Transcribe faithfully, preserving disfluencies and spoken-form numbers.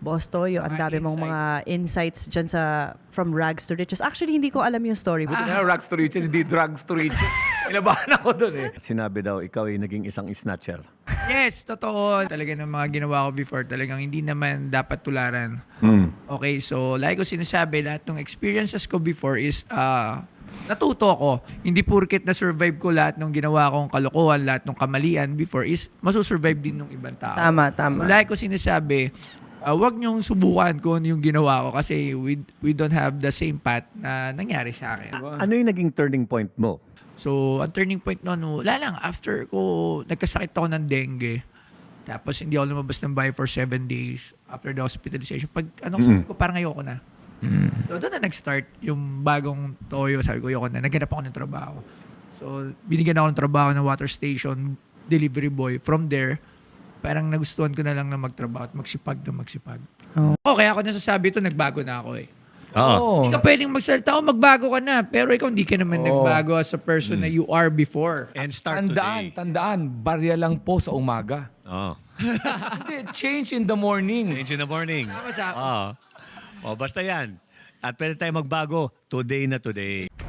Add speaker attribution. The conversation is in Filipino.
Speaker 1: Boss Toyo, ang
Speaker 2: Mga
Speaker 1: dami mong mga insights dyan sa from rags to riches. Actually, hindi ko alam yung story. But
Speaker 2: Ah, rags to riches, hindi drugs to riches. Inabahan ako dun eh.
Speaker 3: Sinabi daw, ikaw ay naging isang snatcher.
Speaker 2: Yes, totoo. Talaga ng mga ginawa ko before, talagang hindi naman dapat tularan.
Speaker 3: Mm.
Speaker 2: Okay, so like ko sinasabi, lahat ng experiences ko before is uh, natuto ako. Hindi purkit na-survive ko lahat ng ginawa kong kalokohan, lahat ng kamalian before is masusurvive din ng ibang tao.
Speaker 1: Tama, tama.
Speaker 2: So like ko sinasabi, uh, wag niyong subukan kung ano yung ginawa ko kasi we, we don't have the same path na nangyari sa akin.
Speaker 3: Ano yung naging turning point mo?
Speaker 2: So, ang turning point noon, wala lang, after ko, nagkasakit ako ng dengue. Tapos, hindi ako lumabas ng bahay for seven days after the hospitalization. Pag, ano, sabi ko, parang ayoko na. So, doon na nag-start yung bagong toyo. Sabi ko, ayoko na. Naghanap ako ng trabaho. So, binigyan ako ng trabaho ng water station, delivery boy. From there, parang nagustuhan ko na lang na magtrabaho at magsipag na magsipag.
Speaker 1: Oh.
Speaker 2: Oh, kaya ako nasasabi ito, nagbago na ako eh.
Speaker 3: Oo.
Speaker 2: Hindi ka pwedeng magsalita, oh, magbago ka na. Pero ikaw hindi ka naman nagbago as a person na you are before.
Speaker 4: And start
Speaker 5: Tandaan,
Speaker 4: today.
Speaker 5: tandaan, barya lang po sa umaga.
Speaker 4: Oh.
Speaker 5: Hindi, change in the morning.
Speaker 4: Change in the morning.
Speaker 2: Tama sa-
Speaker 4: Oh. Oh, basta yan. At pwede tayo magbago today na today.